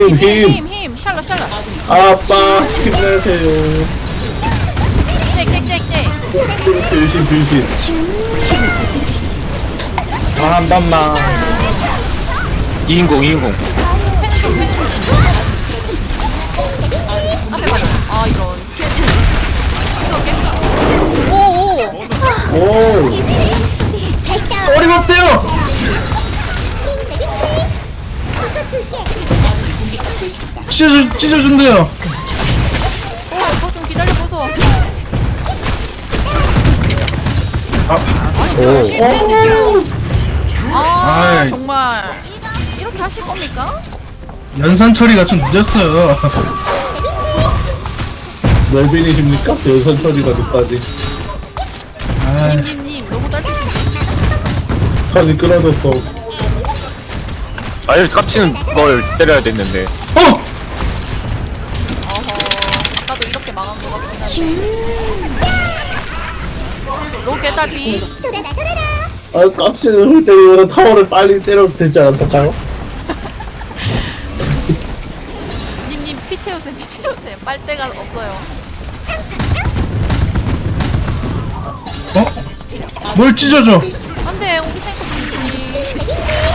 힘 샬럿 아빠 힘내세요. 잭 변신. 한 번만. 2인공. 앞에 봐요. 아 이런 오오 오. 어림없대요. 찢어준대요. 좀 기다려보소. 아니 제가 실패했는데 지금 아이. 정말 이렇게 하실 겁니까? 연산 처리가 좀 늦었어요. 멜빈이십니까? 여선 처리가 늦다지. 아, 님님 너무 딸피신데. 선이 끊어졌어. 아예 깝치는 걸 때려야 됐는데. 어! 어허 나도 이렇게 망한 것 같긴 한데. 로켓 딸피. 아, 깍지를 훌 때리면 타워를 빨리 때려도 되지 않았을까요? 님님 피 채우세요. 빨대가 없어요. 어? 뭘 찢어줘? 안돼 우리 탱커 죽지.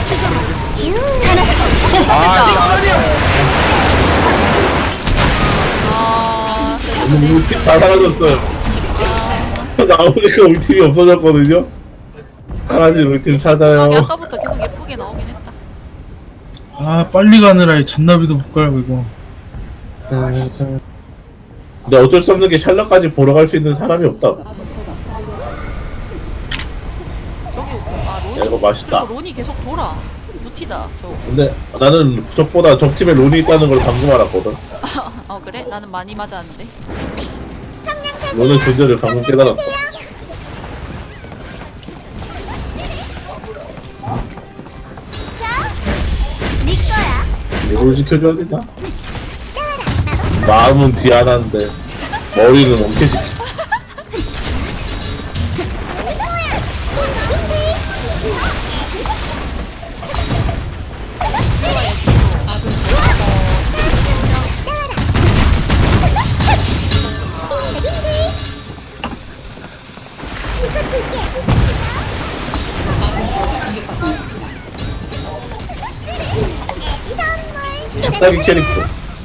우리 팀 다 사라졌어요. 나오니까 우리 팀이 없어졌거든요. 사라진 우리 팀 찾아요. 아까부터 계속 예쁘게 나오긴 했다. 아, 빨리 가느라 이 잔나비도 못 가고 이거. 근데 어쩔 수 없는 게 샬럿까지 보러 갈 수 있는 사람이 없다. 저기 론이. 야, 이거 맛있다. 그리고 론이 계속 돌아. 무티다 저. 근데 나는 적보다 적팀에 론이 있다는 걸 방금 알았거든. 어 그래? 나는 많이 맞았는데. 론의 존재를 방금 깨달았다. 이걸 지켜줘야겠다. 마음은 디아나인데 머리는 원캐시. 짝다기 캐릭터.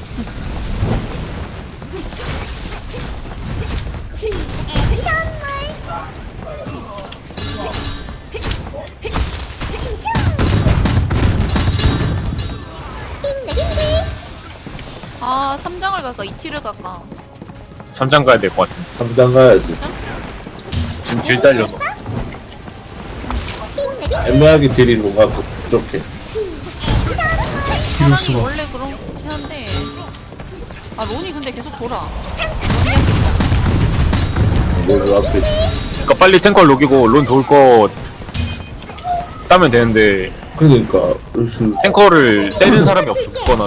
아 3장을 갈까 2티를 갈까. 3장 가야 될 것 같은데. 당장 가야지. 지금 딜 딸려서. 애매하게 딜이 뭔가 부족해. 이럴 사람이 수가. 원래 그렇긴 한데. 아 론이 근데 계속 돌아. 뭘 앞에 그러니까 빨리 탱커 녹이고 론 돌 거 따면 되는데 그러니까 으스. 탱커를 때리는 사람이 없거나.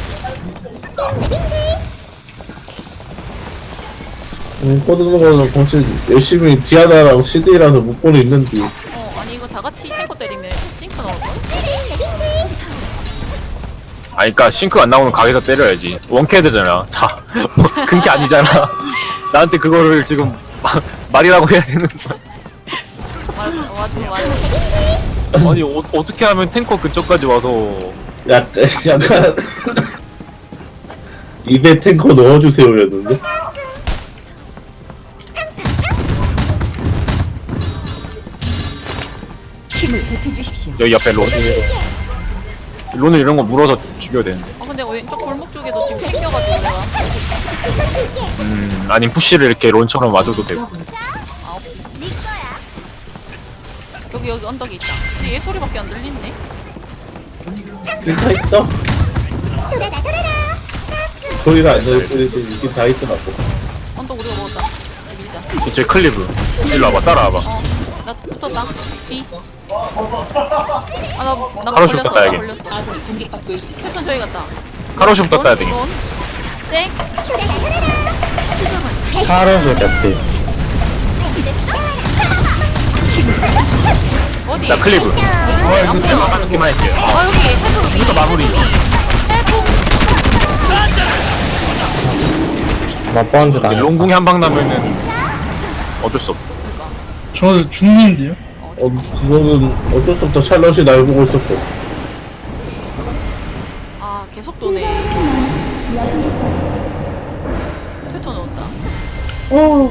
꺼드는 거는 사실 열심히 디아나랑 CD라서 묶고는 있는데 아니 이거 다 같이 탱커 때리면 싱크 나올걸? 그러니까 싱크 안 나오는 각에서 때려야지. 원캐드잖아. 자, 근게 아니잖아. 나한테 그거를 지금 말이라고 해야 되는 거야. 맞아. 아니 어떻게 하면 탱커 근처까지 와서 약간 입에 탱커 넣어주세요였는데 여기 옆에 론을 이런 거 물어서 죽여야 되는데. 근데 왼쪽 골목 쪽에도 지금 생겨가지고 내가. 아니면 푸시를 이렇게 론처럼 와줘도 되고. 아 오케이. 여기 언덕에 있다. 근데 얘 소리밖에 안 들리네. 다 있어? 소리가 안 들릴 뿐이지 이게 다 있더라고. 언덕 우리가 먹었다. 밀자. 이제 클리브 일로 와봐. 따라와봐. 나 붙었다. B. 나 카로슈 걸렸어. 떴다, 나 여기. 걸렸어. 패턴 저기 갔다. 카로슈 떴다 해야 되겠 론. 쨍. 살아서 같아. 어디? 나 클리브. 앞에. 하기만 할게. 여기 해도 이거 마무리. 해도 맛보는데 나 롱궁이 한 방 나면은 어쩔 수 없어. 그니까. 저 죽는데요? 그거는 어쩔 수 없다. 샬럿이 날 보고 있었어. 아, 계속 도네. 표토 넣었다. 어.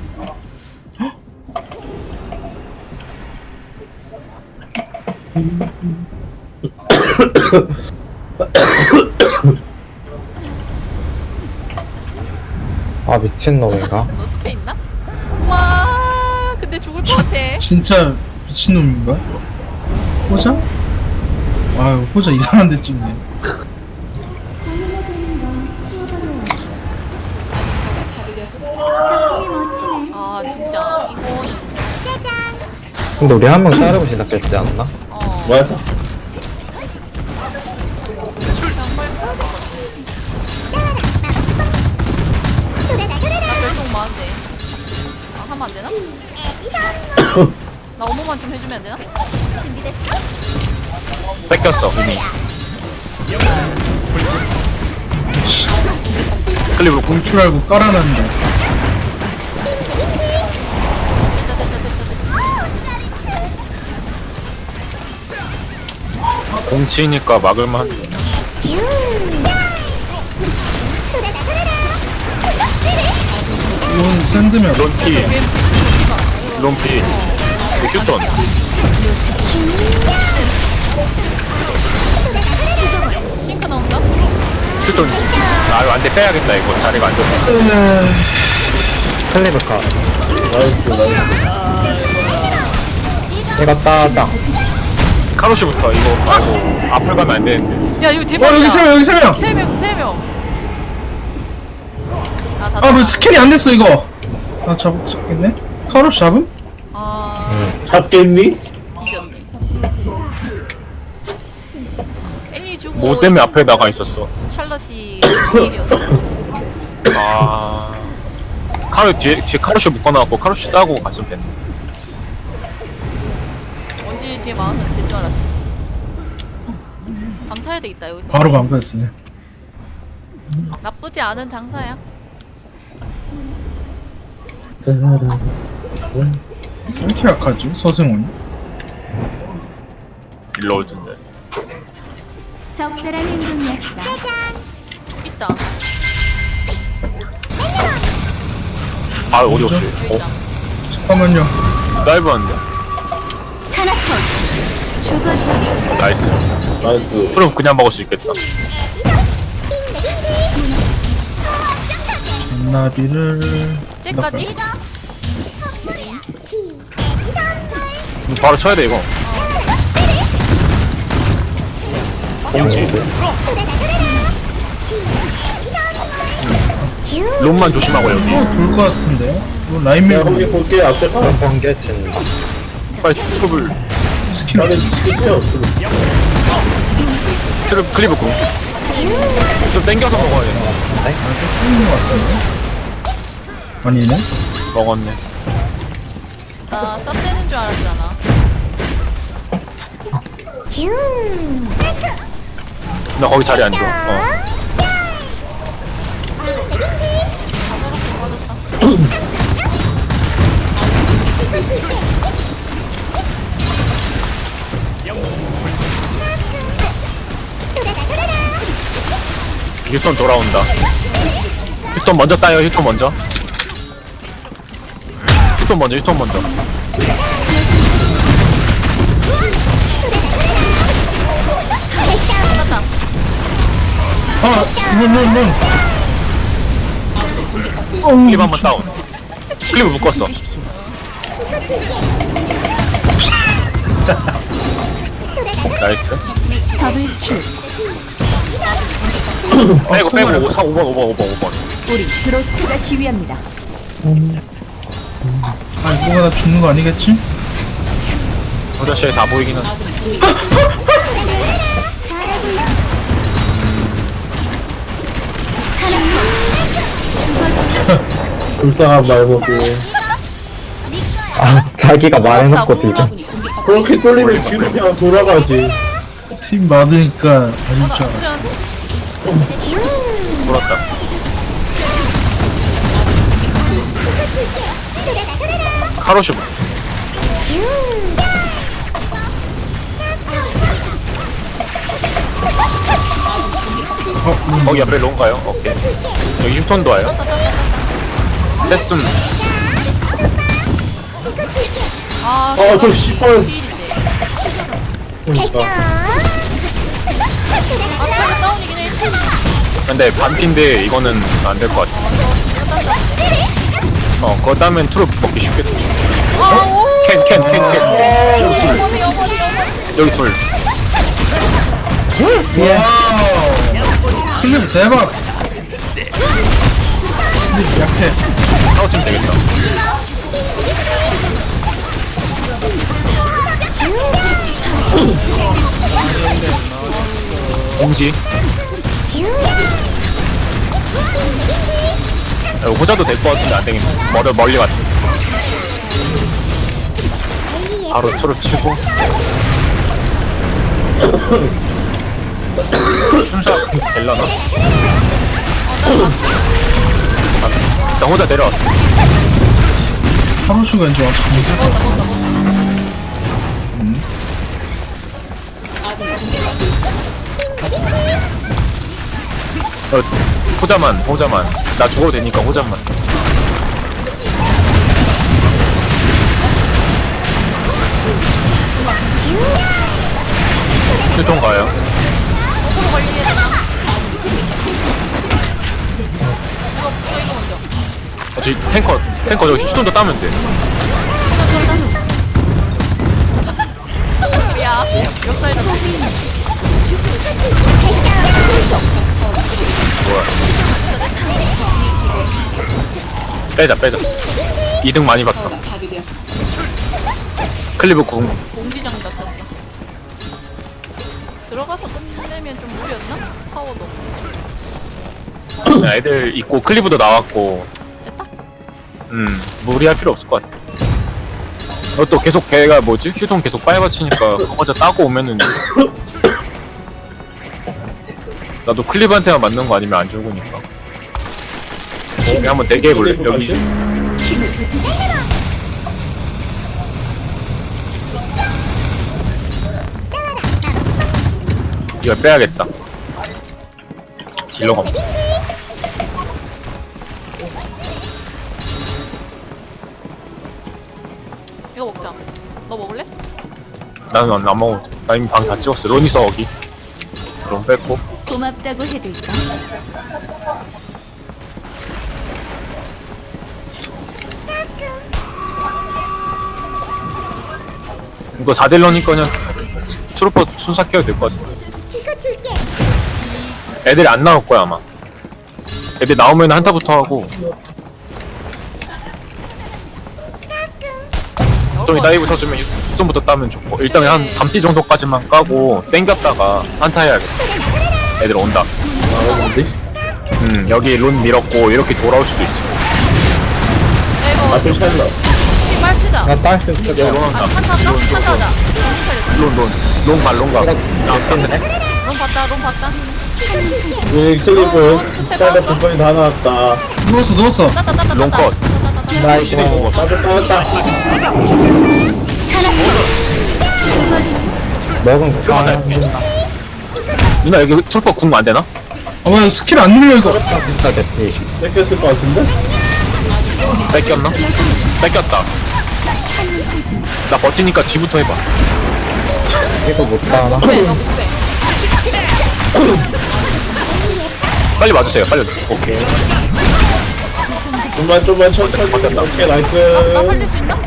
아 미친놈인가? 너 스페 있나? 와, 근데 죽을 것 같아. 진짜 미친놈인가? 호자? 아유 호자 이상한 데 찍네. 아, 진짜 이거는 근데 우리 한 명 자르고 시작했지 않나? 맞아. 별똥 많은데. 아, 하면 안 되나? 나 5분만 좀 해주면 안 되나? 뺏겼어 이미. 클리브 궁 줄 알고 깔아놨는데. 됐다, 됐다, 됐다, 됐다. 공치니까 막을만 한데. 이건 샌드면 론피 론피 휴턴 싱크 나온다? 휴턴. 아 이거 안돼 빼야겠다. 이거 자리가 안 좋다. 클리브카 나이스, 나이스. 이거 따당 카로시부터 이거 아이고 앞을 가면 안 되는데. 야, 이거 대박이야. 여기 세 명, 여기 세 명. 세 명, 세 명. 아, 다 아뭐 잡아. 스킬이 안 됐어 이거. 아 잡겠네. 카로시 잡음? 아, 잡겠니? 뒤졌네. 엘리 주고. 뭐 때문에 앞에 나가 있었어. 샬럿이 일이었어. 아 카로 뒤에 카로시 묶어놔갖고 카로시 따고 갔으면 됐네. 언제 뒤에 막으면 될 줄 알았지. 방 타야 되겠다 여기서. 바로 방패였으네. 나쁘지 않은 장사야. 왜 이렇게 약하지 서승훈이? 일로 올 텐데. 적절한 행동이었어. 있다. 아 어디 없어? 여기 있다. 잠깐만요. 다이브 한데. 타나톤 죽어주리. 나이스. 나이스. 프로 그냥 먹을 수 있겠다. 나비를 쟤까지? 바로 쳐야 돼 이거. 공치. 롬만 조심하고 여기. 돌것 같은데. 이거 라인 내가 밀고 거기 볼게. 앞에 가. 번개 친다 빨리 트룹을 스킬 나는 지키세요. 트룹 클리브 궁. 좀 땡겨서 먹어야 돼. 쓰는 것 같은데. 아니네. 먹었네. 나 쌉되는 줄 알았잖아. 나 거기 자리 안 줘. 휴턴 돌아온다. 휴턴 먼저 따요. 휴턴 먼저. 휴턴 먼저. 휴턴 먼저. 끝났다. 아, 문. 클립 한번 다운. 클립을 묶었어. 나이스. 더블킬. 빼고 5번. 우리 드로스트가 지휘합니다. 아니 뭐가 나 죽는 거 아니겠지? 도자시에 다 보이긴 한데. 잘하고 있어. 불쌍한 말먹이. 아 자기가 말해놓고 뒤져 그렇게 뚫리면 뒤로 그냥 돌아가지. 팀 맞으니까 아닐 줄 알아. 나쁘지 않은데? 돌았다. 카로슈 거기 앞에 롱가요? 오케이. 여기 휴톤도 와요. 됐음. 아, 저 씨발. 필인데. 그러니까. 아, 타겟 다운이긴 해. 근데 반피인데 이거는 안 될 것 같아. 그거 따면 트루 먹기 쉽겠다. 아, 오! 캔. 어머니, 어머니, 어머니. 여기 둘. 클립 대박. 클립 약해. 싸우치면 되겠다. 공지. 호자도 될 것 같은데 안 되겠네. 멀리 갔다. 바로 트루 치고. 순서 될라나? 나 혼자 내려왔어. 하루수가 이제 왔습니다. 호자만. 나 죽어도 되니까 호자만. 휴통 가요. 어그로 걸리게 되나? 이거 먼저. 저기 탱커 저기 휴톤도 따면 돼. 야, 역사에다 빼자. 2등 많이 봤다. 클리브 궁. 공지장 같았어. 들어가서 끝내면 좀 무리였나? 파워도. 애들 있고 클리브도 나왔고. 됐다? 무리할 필요 없을 것 같아. 또 계속 걔가 뭐지? 휴통 계속 빨아치니까 그거 따고 오면은 나도 클리브한테만 맞는 거 아니면 안 죽으니까. 우리 한번 대기해볼래? 여기 이거 빼야겠다. 딜러가 없네. 이거 먹자. 너 먹을래? 나는 안 먹어. 나 이미 방 다 찍었어. 로니서 어기. 그럼 뺐고. 고맙다고 해둘까? 이거 4딜러니까 그냥 트루퍼 순삭해도 될 것 같아. 애들이 안 나올 거야 아마. 애들 나오면 한타부터 하고. 좀 이따 이브 쳐주면 휴톤부터 따면 좋고. 일단 한 담띠 정도까지만 까고 땡겼다가 한타 해야겠다. 애들 온다. 뭔데? 여기 론 밀었고 이렇게 돌아올 수도 있어. 야, 앞에 샬러. 빨리 치자. 나 딸수 론 있어. 온다. 한타 한다? 한타 하자. 론 가. 나 롬 봤다. 우리 클리브 샬러 분번이 다 나왔다. 누웠어. 따따. 롱컷. 나이스. 나왔다. 먹은 거. 아, 누나 여기 트루퍼 궁 안 되나? 왜 스킬 안 눌려 이거? 진짜 됐지. 뺏겼을 것 같은데? 뺏겼나? 뺏겼다. 나 버티니까 G부터 해봐. 이거 못 따나? 너 못해. 빨리 와주세요. 빨리 와주세요. 오케이. 좀만 천천히. 오케이, 나 나이스. 살릴 수 있나?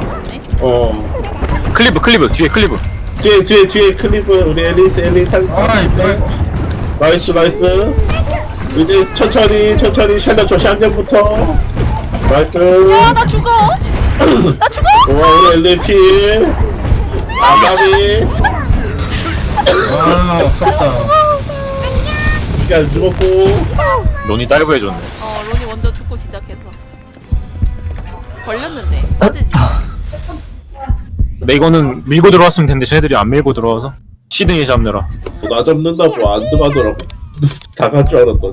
네. 클리브 뒤에 클리브. 뒤에 클리브. 우리 앨리스 살짝. 아이 뭐 나이스. 이제 천천히 샬러 저 샹년부터. 나이스. 야, 나 죽어. 와, 우리 엘리피. 아가미. 아 아깝다. 이게 안 죽었고. 론이 다이브 해줬네. 론이 먼저 죽고 시작해서. 걸렸는데. 빠지지. 근데 이거는 밀고 들어왔으면 됐는데 쟤네들이 안 밀고 들어와서 시드니 잡느라. 나 잡는다고 안 들어가더라고. 다 갈 줄 알았더니.